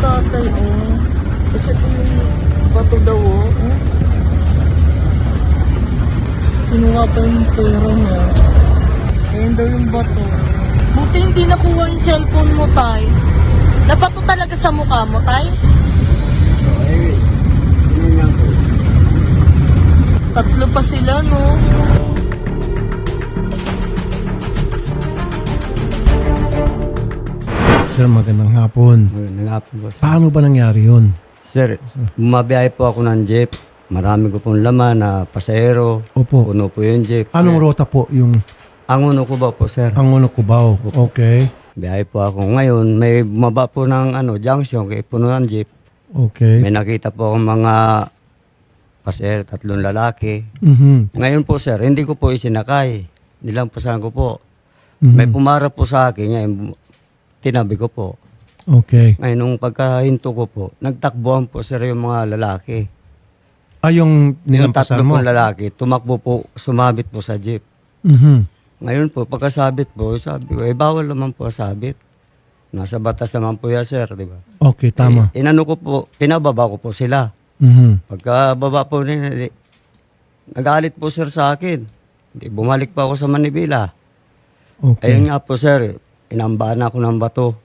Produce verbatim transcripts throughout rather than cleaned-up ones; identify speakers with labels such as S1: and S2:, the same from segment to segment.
S1: tatay, oh. Kasi ito yung bato daw, oh. oh. Kinuha pa yung pera niya. Ayan daw yung bato. Buti hindi nakuha yung cellphone mo, tay. Nabato talaga sa mukha mo, tay?
S2: Ay, yun lang po.
S1: Tatlo pa sila, no?
S3: Sir, magandang hapon.
S2: Magandang hapon po, sir.
S3: Paano ba nangyari yun?
S2: Sir, bumabiyahe po ako ng jeep. Marami ko pong laman na pasahero.
S3: Opo.
S2: Puno po yung jeep.
S3: Anong rota po yung
S2: Ang uno ko ba po, sir?
S3: Angono Cubao? Okay.
S2: Biyahe po ako. Ngayon, may bumaba po ng ano, junction kay puno ng jeep.
S3: Okay.
S2: May nakita po akong mga pasahero, tatlong lalaki.
S3: Mhm.
S2: Ngayon po, sir, hindi ko po isinakay. Nilampasan ko po.
S3: Mhm.
S2: May pumarap po sa akin. Ngayon, tinabi ko po.
S3: Okay.
S2: Ngayon, nung pagkahinto ko po, nagtakbuhan po, sir, yung mga lalaki.
S3: Ah, yung
S2: Yung
S3: nilampasan
S2: tatlo
S3: mo?
S2: pong lalaki, tumakbo po, sumabit po sa jeep.
S3: Mhm.
S2: Ngayon po, pagkasabit po, sabi ko, eh, bawal naman po sabit. Nasa batas naman po yan, sir, di ba?
S3: Okay, tama.
S2: Eh, inano ko po, pinababa ko po sila.
S3: Mhm.
S2: Pagkababa po nila, di, nagalit po, sir, sa akin. Di, bumalik pa ako sa Manibela.
S3: Okay.
S2: Ayun nga po, sir, inambahan ako ng bato.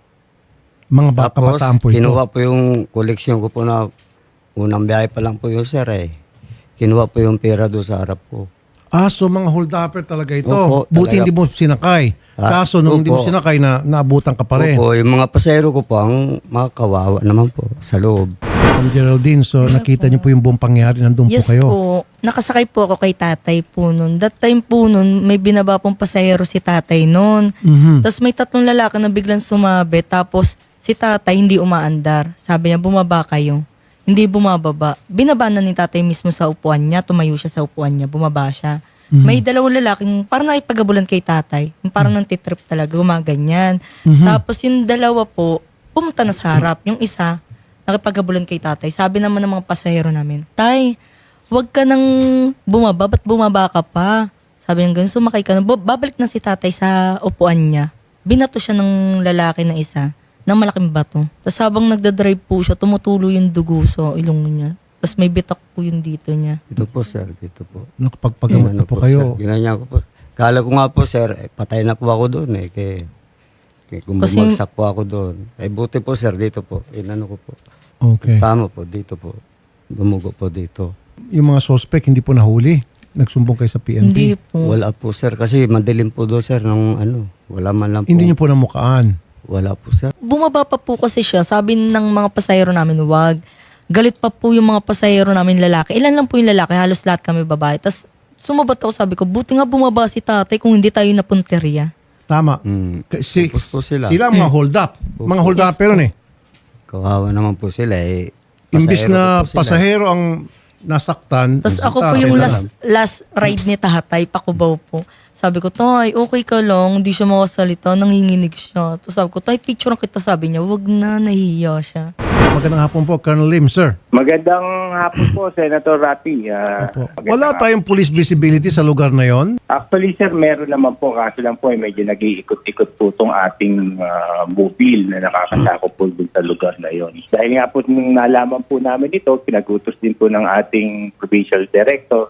S3: Mga ba-
S2: Tapos,
S3: kabataan po ito.
S2: kinuha po yung koleksyon ko po na unang biyahe pa lang po yung sir, eh. Kinuha po yung pera doon sa harap ko.
S3: Ah, so mga hold-upper talaga ito.
S2: Opo,
S3: Buti
S2: talaga.
S3: hindi mo sinakay.
S2: Ah,
S3: Kaso nung hindi mo
S2: opo.
S3: sinakay, na naabutan ka pa rin.
S2: Opo, yung mga pasero ko po, ang mga kawawa naman po sa loob.
S3: Ma'am Geraldine, so nakita niyo po yung buong pangyari. Nandun
S4: Yes
S3: po kayo.
S4: po. Nakasakay po ako kay tatay po nun. That time po nun, may binaba pong pasahero si tatay nun.
S3: Mhm.
S4: Tapos may tatlong lalaki na biglang sumabi. Tapos si tatay hindi umaandar. Sabi niya, bumaba kayo. Hindi bumababa. Binaba na ni tatay mismo sa upuan niya. Tumayo siya sa upuan niya. Bumaba siya.
S3: Mhm.
S4: May dalawang lalaking parang nakipagabulan kay tatay. Yung Parang nang titrip talaga. Gumaganyan.
S3: Mhm.
S4: Tapos yung dalawa po, pumunta na sa harap. Yung isa, nakipagabulan kay tatay. Sabi naman ng mga pasahero namin, Tay, huwag ka nang bumaba. Ba't bumaba ka pa? Sabi niya ganun, sumakay ka na. Bu- Babalik na si tatay sa upuan niya. Binato siya ng lalaki na isa ng malaking bato. Tapos habang nagdadrive po siya, tumutulo yung dugo sa ilong niya. Tapos may bitak po yung dito niya.
S2: Ito po, sir, dito po.
S3: Nakapagpagamot na
S2: Inano
S3: po kayo.
S2: Sir, ginanyan ko po. Kala ko nga po, sir, eh, patay na po ako doon eh. Kaya, kaya kung
S4: Kasi-
S2: bumagsak po ako doon. Eh, buti po, sir, dito po. Inano ko po.
S3: Okay.
S2: Tama po, dito po. Dumugo po dito.
S3: Yung mga suspect hindi po nahuli. Nagsumbong kayo sa P N P.
S4: Hindi po.
S2: Wala po, sir, kasi madilim po doon, sir, nung ano. Wala man lang po.
S3: Hindi niyo po namukaan.
S2: Wala po, sir.
S4: Bumaba pa po kasi siya. Sabi ng mga pasahero namin, wag. Galit pa po yung mga pasahero namin lalaki. Ilan lang po yung lalaki, halos lahat kami babae. Tapos sumabat ako, sabi ko, buti nga bumaba si tatay kung hindi tayo napunteriya.
S3: Tama.
S2: Mm.
S3: Kasi
S2: Tapos po sila.
S3: sila ang mga hold up. Mga hold up pero eh.
S2: Kawawa naman po sila eh.
S3: Imbis
S2: Pasahero
S3: na
S2: po sila.
S3: pasahero ang nasaktan.
S4: Tapos
S3: si
S4: ako po
S3: tatay
S4: yung
S3: na
S4: last,
S3: lang.
S4: last ride ni tatay, pakubaw po. Sabi ko, Tay, okay ka lang, hindi siya makasalita, nanginginig siya. Tapos sabi ko, Tay, picture kita, sabi niya, wag na, nahihiya siya.
S3: Magandang hapon po, Colonel Lim, sir.
S5: Magandang hapon po, Senator Rapi. Ah,
S3: Opo.
S5: magandang
S3: Wala
S5: hapon.
S3: tayong police visibility sa lugar na yon.
S5: Actually, sir, meron naman po. Kaso lang po, eh, medyo nag-iikot-ikot po itong ating ah, mobile na nakakasakop po dun sa lugar na yon. Dahil nga po, nung nalaman po namin ito, pinagutos din po ng ating provincial director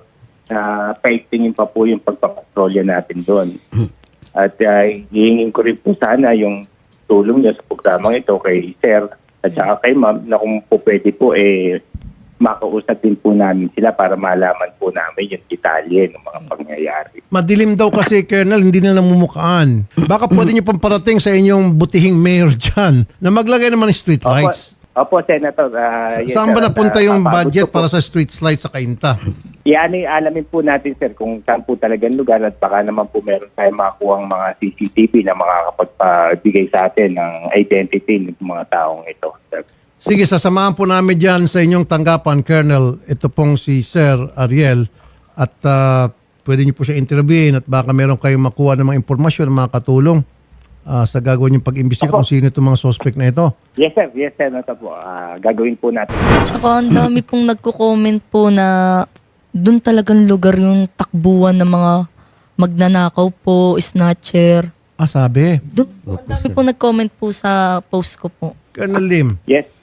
S5: na paigtingin pa po yung pagpapatrolya natin doon. At uh, hihingin ko rin po sana yung tulong niya sa programang ito kay Sir at saka kay Ma'am na kung po pwede po eh makausap din po namin sila para malaman po namin yung detalye ng mga pangyayari.
S3: Madilim daw kasi, Colonel, hindi na namumukaan. Baka pwede niyo pang parating sa inyong butihing mayor dyan na maglagay naman ng street lights.
S5: Opo, Senator. ah, yes,
S3: Saan ba
S5: sir.
S3: napunta
S5: At,
S3: yung
S5: ah,
S3: budget
S5: gusto po-
S3: para sa street lights sa Cainta?
S5: Yan ay alamin po natin, sir, kung saan po talagang lugar at baka naman po meron tayong makakuhang mga C C T V na makakapagpabigay sa atin ng identity ng mga taong ito, sir.
S3: Sige, sasamahan po namin dyan sa inyong tanggapan, Colonel. Ito pong si Sir Ariel. At ah, pwede niyo po siya interviewin at baka meron kayong makuha ng mga impormasyon, mga katulong ah, sa gagawin yung pag-imbestiga
S5: Opo.
S3: kung sino itong mga suspect na ito.
S5: Yes, sir. Yes, Senator po. Ah, gagawin po natin.
S4: Tsaka ang dami pong nagko-comment po na doon talagang lugar yung takbuhan ng mga magnanakaw po, snatcher.
S3: Ah, sabi.
S4: Doon, ang dami pong nag-comment po sa post ko po.
S3: Colonel Lim,
S5: Yes,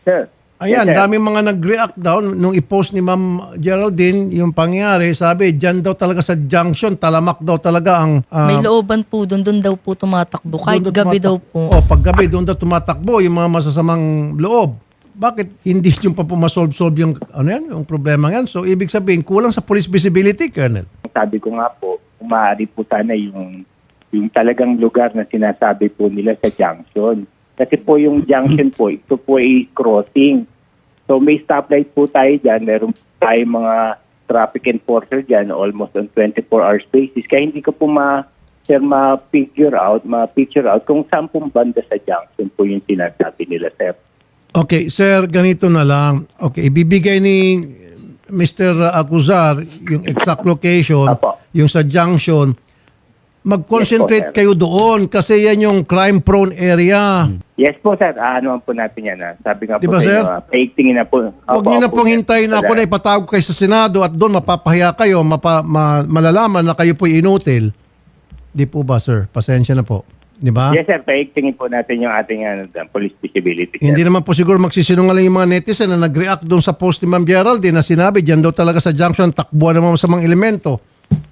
S5: sir.
S3: Ayan,
S5: Yes, sir.
S3: daming mga nag-react daw nung i-post ni Ma'am Geraldine yung pangyayari. Sabi, dyan daw talaga sa junction, talamak daw talaga ang... ah,
S4: May looban po doon, doon daw po tumatakbo. Kahit
S3: doon daw
S4: gabi daw
S3: tumatak-
S4: po.
S3: Oh, pag gabi, doon daw tumatakbo yung mga masasamang loob. Bakit hindi yung pa pumasolve-solve yung, ano yan, yung problema yan? So, ibig sabihin, kulang sa police visibility, Colonel.
S5: Sabi ko nga po, kung maaari po sana yung, yung talagang lugar na sinasabi po nila sa junction. Kasi po yung junction po, ito po ay crossing. So may stoplight po tayo dyan. Meron po tayo mga traffic enforcer dyan almost on twenty-four hours basis. Kaya hindi ko po ma, sir, ma-figure out, ma-picture out kung saan pong banda sa junction po yung sinasabi nila, sir.
S3: Okay, sir, ganito na lang. Okay, ibibigay ni Mister Acuzar yung exact location,
S5: Apo.
S3: yung sa junction. Mag-concentrate
S5: Yes po, sir.
S3: kayo doon kasi yan yung crime-prone area.
S5: Yes po, sir. Ah, ano po natin yan. Ah. Sabi nga
S3: Di
S5: po
S3: ba,
S5: sa
S3: sir?
S5: inyo, ah, paigtingin na po.
S3: Huwag
S5: Opo,
S3: niyo na
S5: opo,
S3: pong
S5: sir.
S3: hintayin na ako na ipatawag kayo sa Senado at doon mapapahiya kayo, mapa, ma- malalaman na kayo po'y inutil. Di po ba, sir? Pasensya na po. Di ba?
S5: Yes, sir. Paigtingin po natin yung ating ano, police visibility. Sir.
S3: Hindi naman po siguro magsisinungaling yung mga netizen na nag-react doon sa post ni Ma'am Geraldine na sinabi, dyan daw talaga sa junction, takbuhan naman sa mga elemento.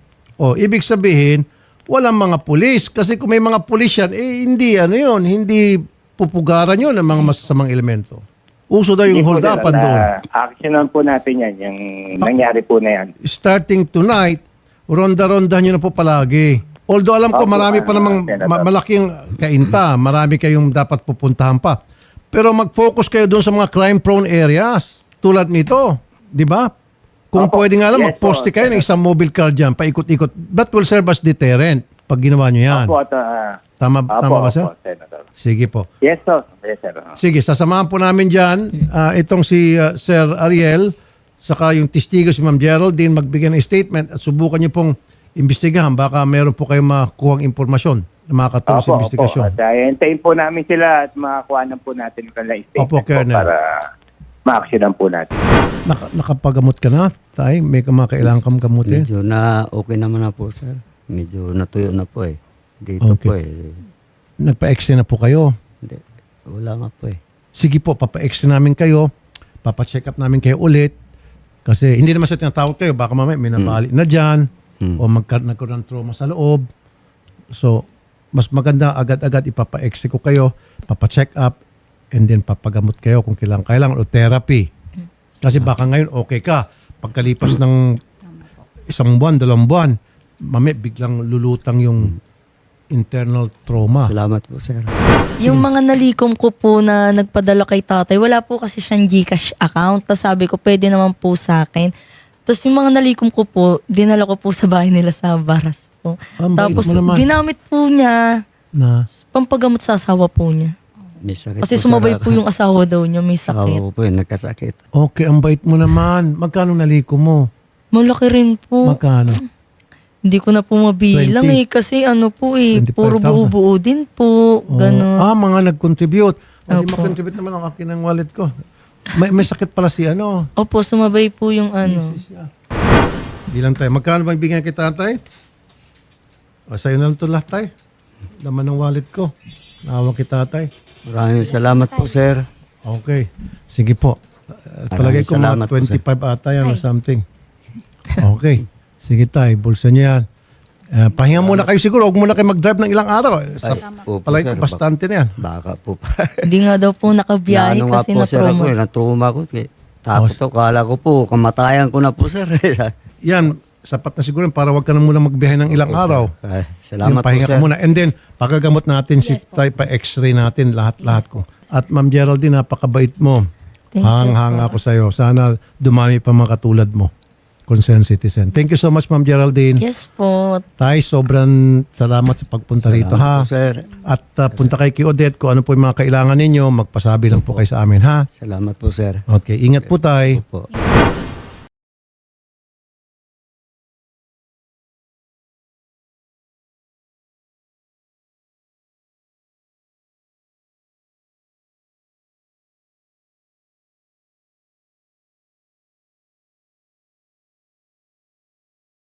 S3: O, ibig sabihin, walang mga pulis. Kasi kung may mga pulis yan, eh hindi ano yun, hindi pupugaran yun ng mga masasamang elemento. Uso daw yung
S5: Hindi po,
S3: hold
S5: sir.
S3: upan
S5: Na-
S3: doon.
S5: Actionan po natin yan. Yung nangyari po na yan.
S3: Starting tonight, ronda-ronda nyo na po palagi. Although alam ko
S5: Opo,
S3: marami pa
S5: ah,
S3: namang
S5: Senator.
S3: ma- malaking kainta, marami kayong dapat pupuntahan pa. Pero mag-focus kayo doon sa mga crime-prone areas tulad nito, di ba? Kung
S5: Opo.
S3: pwede nga lang,
S5: Yes,
S3: mag-poste
S5: po,
S3: kayo ng isang mobile car dyan, paikot-ikot. That will serve as deterrent pag ginawa nyo yan.
S5: Opo, at, ah,
S3: Tama,
S5: opo,
S3: tama ba, sir?
S5: opo, Senator.
S3: Sige po.
S5: Yes, sir. Yes, sir. Ah.
S3: Sige, sasamahan po namin dyan ah, itong si ah, Sir Ariel saka yung testigo si Ma'am Geraldine magbigay ng statement at subukan niyo pong imbestigahan. Baka meron po kayong makuhang impormasyon na makakatulong sa
S5: Opo,
S3: investigasyon.
S5: opo. At uh, hintayin po namin sila at makakuha na po natin yung kanilang statement
S3: Opo,
S5: po
S3: Colonel.
S5: para ma-actionan po natin.
S3: Naka, nakapagamot ka na, tay? May mga kailangan kang gamutin?
S2: Medyo na okay naman na po, sir. Medyo natuyo na po eh. Dito
S3: Okay.
S2: po eh.
S3: Nagpa-X-ray na po kayo?
S2: Hindi, wala nga po eh.
S3: Sige po, papa-X-ray namin kayo. Papa-check up namin kayo ulit. Kasi hindi naman sa tinatawag kayo. Baka mamaya may nabali na dyan.
S2: Mm.
S3: O magka- nagkaroon ng trauma sa loob. So, mas maganda agad-agad ipapa-X-ray ko kayo. Papa-check up. And then papagamot kayo kung kailangan. Kailangan o therapy. Kasi baka ngayon okay ka. Pagkalipas ng isang buwan, dalawang buwan, mamaya biglang lulutang yung internal trauma.
S2: Salamat po, sir.
S4: Yung mga nalikom ko po na nagpadala kay tatay, wala po kasi siyang GCash account. Tapos sabi ko, pwede naman po sa akin. Tapos yung mga nalikom ko po, dinala ko po sa bahay nila sa Baras po.
S3: Ang bait
S4: Tapos
S3: mo naman.
S4: ginamit po niya,
S3: Na,
S4: pampagamot sa asawa po niya.
S2: May sakit
S4: Kasi
S2: po,
S4: sumabay
S2: sir.
S4: po yung asawa daw niya, may
S2: Asawa
S4: sakit.
S2: ko po eh, nagkasakit.
S3: okay, ang bait mo naman. Magkano naliko mo?
S4: Malaki rin po.
S3: Magkano?
S4: Hindi ko na po mabilang
S3: twenty.
S4: eh. Kasi ano po eh,
S3: twenty-five
S4: puro
S3: thousand.
S4: buo-buo din po.
S3: Oh,
S4: Ganon.
S3: ah, mga nag-contribute. Hindi
S4: Opo.
S3: mag-contribute naman ang akin ng wallet ko. May, may sakit pala si ano.
S4: Opo, sumabay po yung ano.
S3: Di lang tayo. Magkano bang bigyan kita, tay? O, sa'yo na lang ito lahat, tay. Laman ng wallet ko. Naawa kita, tay.
S2: Maraming salamat po, sir.
S3: Okay. Sige po. Uh, palagay ko
S2: salamat
S3: mga
S2: po, sir.
S3: twenty-five ata yan or something. Okay. Sige, tay. Bulsa niyo yan. Uh, pahinga muna kayo siguro. Huwag muna kayo mag-drive ng ilang araw. Sa,
S2: Ay, po, po,
S3: palagay ko
S2: sir.
S3: bastante na yan.
S2: Baka po.
S4: Hindi nga daw po nakabiyahe
S2: Naano nga
S4: kasi
S2: po, sir, ako
S4: na-trauma.
S2: eh. Na-trauma ko. Eh. Tapos to, kala ko po, kamatayan ko na po, sir.
S3: Yan. Sapat na siguro para wag ka na muna magbiyahe ng ilang araw.
S2: Ay, salamat
S3: Yung
S2: po,
S3: pahinga
S2: sir.
S3: ka muna. And then, pagagamot natin si Tay, pa-x-ray natin lahat-lahat ko. At Ma'am Geraldine, napakabait mo.
S4: Thank you
S3: Hang-hanga ako sa'yo. Sana dumami pa mga katulad mo. Concerned citizen. Thank you so much, Ma'am Geraldine.
S4: Yes po.
S3: Tay, sobrang salamat sa pagpunta rito, ha?
S2: Salamat po, sir.
S3: At uh, punta kay kay Odette kung ano po yung mga kailangan ninyo. Magpasabi lang po kayo sa amin, ha?
S2: Salamat po, sir.
S3: Okay, ingat po, Tay.
S2: Po.